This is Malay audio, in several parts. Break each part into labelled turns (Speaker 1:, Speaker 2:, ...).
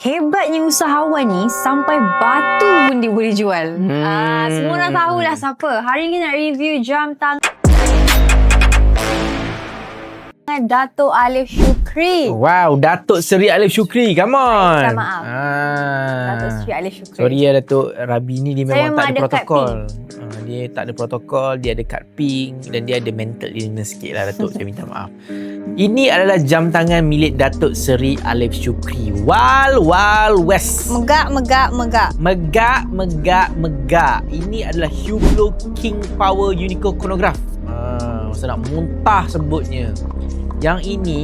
Speaker 1: Hebatnya usahawan ni sampai batu pun dia boleh jual. Semua orang tahulah siapa. Hari ni kita nak review jam tangan Dato' Alif Shukri.
Speaker 2: Wow, Datuk Seri Alif Shukri. Come on.
Speaker 1: Minta maaf. Dato' Seri Alif Shukri.
Speaker 2: Sorry ya Datuk, Rabi ni dia
Speaker 1: Saya
Speaker 2: memang tak ada
Speaker 1: ada
Speaker 2: protokol. Dia tak ada protokol, dia ada kad pink dan dia ada mental illness sikit lah Datuk. Saya minta maaf. Ini adalah jam tangan milik Datuk Seri Alif Shukri. Wild West.
Speaker 1: Megak.
Speaker 2: Megak. Ini adalah Hublot King Power Unico Chronograph. Masa nak muntah sebutnya. Yang ini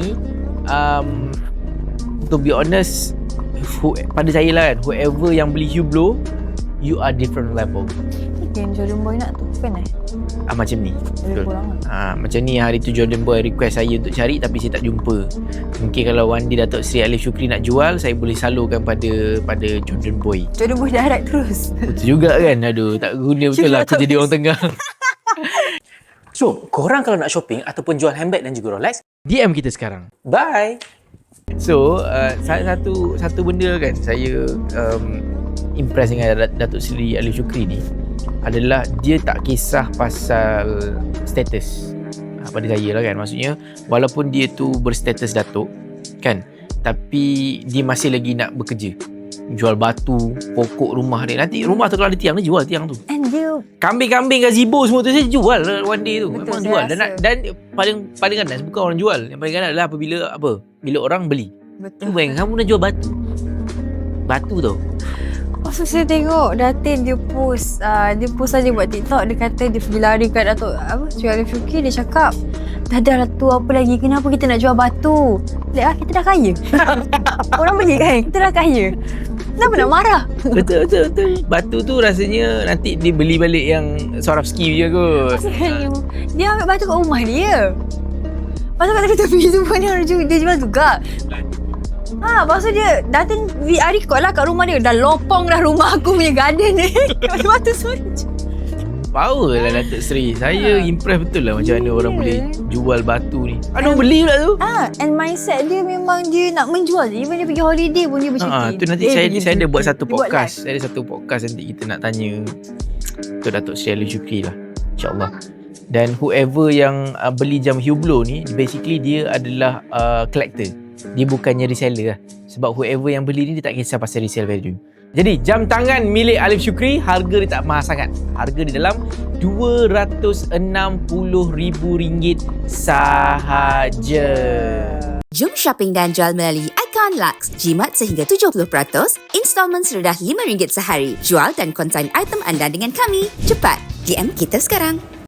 Speaker 2: to be honest, pada saya lah kan, whoever yang beli Hublot, you are different level.
Speaker 1: Yang Jordan Boy nak tu kan
Speaker 2: Macam ni.
Speaker 1: Betul.
Speaker 2: Macam ni hari tu Jordan Boy request saya untuk cari tapi saya tak jumpa. Mungkin kalau one day Datuk Seri Alif Shukri nak jual, saya boleh salurkan pada Jordan Boy.
Speaker 1: Jordan Boy dah harap terus.
Speaker 2: Betul juga kan. Aduh, tak guna betul lah aku jadi orang tengah.
Speaker 3: So, korang kalau nak shopping ataupun jual handbag dan juga Rolex,
Speaker 2: DM kita sekarang.
Speaker 3: bye!
Speaker 2: So, satu benda kan saya impress dengan Datuk Seri Alif Shukri ni adalah dia tak kisah pasal status. Pada saya lah kan, maksudnya walaupun dia tu berstatus Datuk kan, tapi dia masih lagi nak bekerja. Jual batu, pokok rumah dia. Nanti rumah tu kalau ada tiang, dia jual tiang tu.
Speaker 1: And dia
Speaker 2: Kambing-kambing gazebo semua tu saya jual one day tu.
Speaker 1: Betul,
Speaker 2: Memang
Speaker 1: saya
Speaker 2: jual.
Speaker 1: rasa.
Speaker 2: Dan paling ganas bukan orang jual. Yang paling ganas adalah bila orang beli.
Speaker 1: betul.
Speaker 2: Bayangkan kamu nak jual batu. Batu tu.
Speaker 1: Lepas tu saya tengok Datin dia post saja buat TikTok. Dia kata dia pergi lari kat Dato' Seri Alif Shukri. Dia cakap, dah tu apa lagi, kenapa kita nak jual batu? Kita dah kaya. Orang beli kan, kita dah kaya. Kenapa nak marah?
Speaker 2: Betul. Batu tu rasanya nanti dia beli balik yang Swarovski je kot.
Speaker 1: Dia ambil batu kat rumah dia. Lepas tu kat tepi tu pun dia jual juga. Lepas tu dia Datin hari kot lah kat rumah dia. Dah lopong dah rumah aku punya garden ni. Batu semua
Speaker 2: Power lah Datuk Seri. Saya impress betul lah macam mana orang boleh jual batu ni. Ada orang beli pula tu.
Speaker 1: And mindset dia memang dia nak menjual. Even dia pergi holiday pun dia bercuti.
Speaker 2: Tu nanti saya ada buat satu
Speaker 1: dia buat
Speaker 2: podcast. Saya ada satu podcast nanti kita nak tanya tu Datuk Seri Alif Shukri lah, InsyaAllah. Dan whoever yang beli jam Hublot ni, basically dia adalah collector. Dia bukannya reseller lah. Sebab whoever yang beli ni dia tak kisah pasal resale value. Jadi jam tangan milik Alif Shukri, harga dia tak mahal sangat. Harga di dalam RM260,000 sahaja.
Speaker 4: Jom shopping dan jual melalui Icon Lux. Jimat sehingga 70%, installment serendah RM5 sehari. Jual dan konsign item anda dengan kami. Cepat, DM kita sekarang.